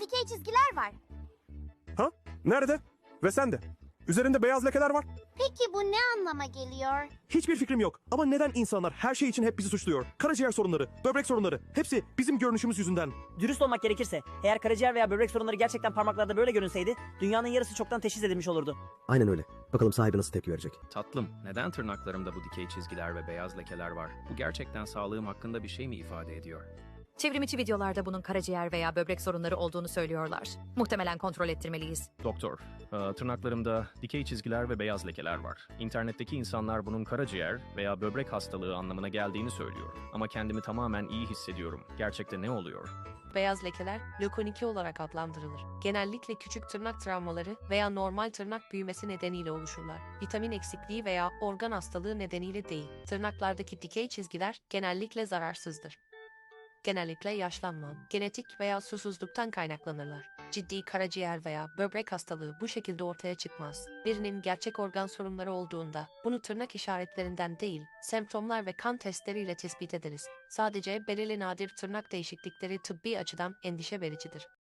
dikey çizgiler var. Ha? Nerede? Ve sende. Üzerinde beyaz lekeler var. Peki bu ne anlama geliyor? Hiçbir fikrim yok. Ama neden insanlar her şey için hep bizi suçluyor? Karaciğer sorunları, böbrek sorunları, hepsi bizim görünüşümüz yüzünden. Dürüst olmak gerekirse, eğer karaciğer veya böbrek sorunları gerçekten parmaklarda böyle görünseydi, dünyanın yarısı çoktan teşhis edilmiş olurdu. Aynen öyle. Bakalım sahibi nasıl tepki verecek. Tatlım, neden tırnaklarımda bu dikey çizgiler ve beyaz lekeler var? Bu gerçekten sağlığım hakkında bir şey mi ifade ediyor? Çevrimiçi videolarda bunun karaciğer veya böbrek sorunları olduğunu söylüyorlar. Muhtemelen kontrol ettirmeliyiz. Doktor, tırnaklarımda dikey çizgiler ve beyaz lekeler var. İnternetteki insanlar bunun karaciğer veya böbrek hastalığı anlamına geldiğini söylüyor. Ama kendimi tamamen iyi hissediyorum. Gerçekte ne oluyor? Beyaz lekeler lökoniki olarak adlandırılır. Genellikle küçük tırnak travmaları veya normal tırnak büyümesi nedeniyle oluşurlar. Vitamin eksikliği veya organ hastalığı nedeniyle değil. Tırnaklardaki dikey çizgiler genellikle zararsızdır. Genellikle yaşlanma, genetik veya susuzluktan kaynaklanırlar. Ciddi karaciğer veya böbrek hastalığı bu şekilde ortaya çıkmaz. Birinin gerçek organ sorunları olduğunda bunu tırnak işaretlerinden değil, semptomlar ve kan testleriyle tespit ederiz. Sadece belirli nadir tırnak değişiklikleri tıbbi açıdan endişe vericidir.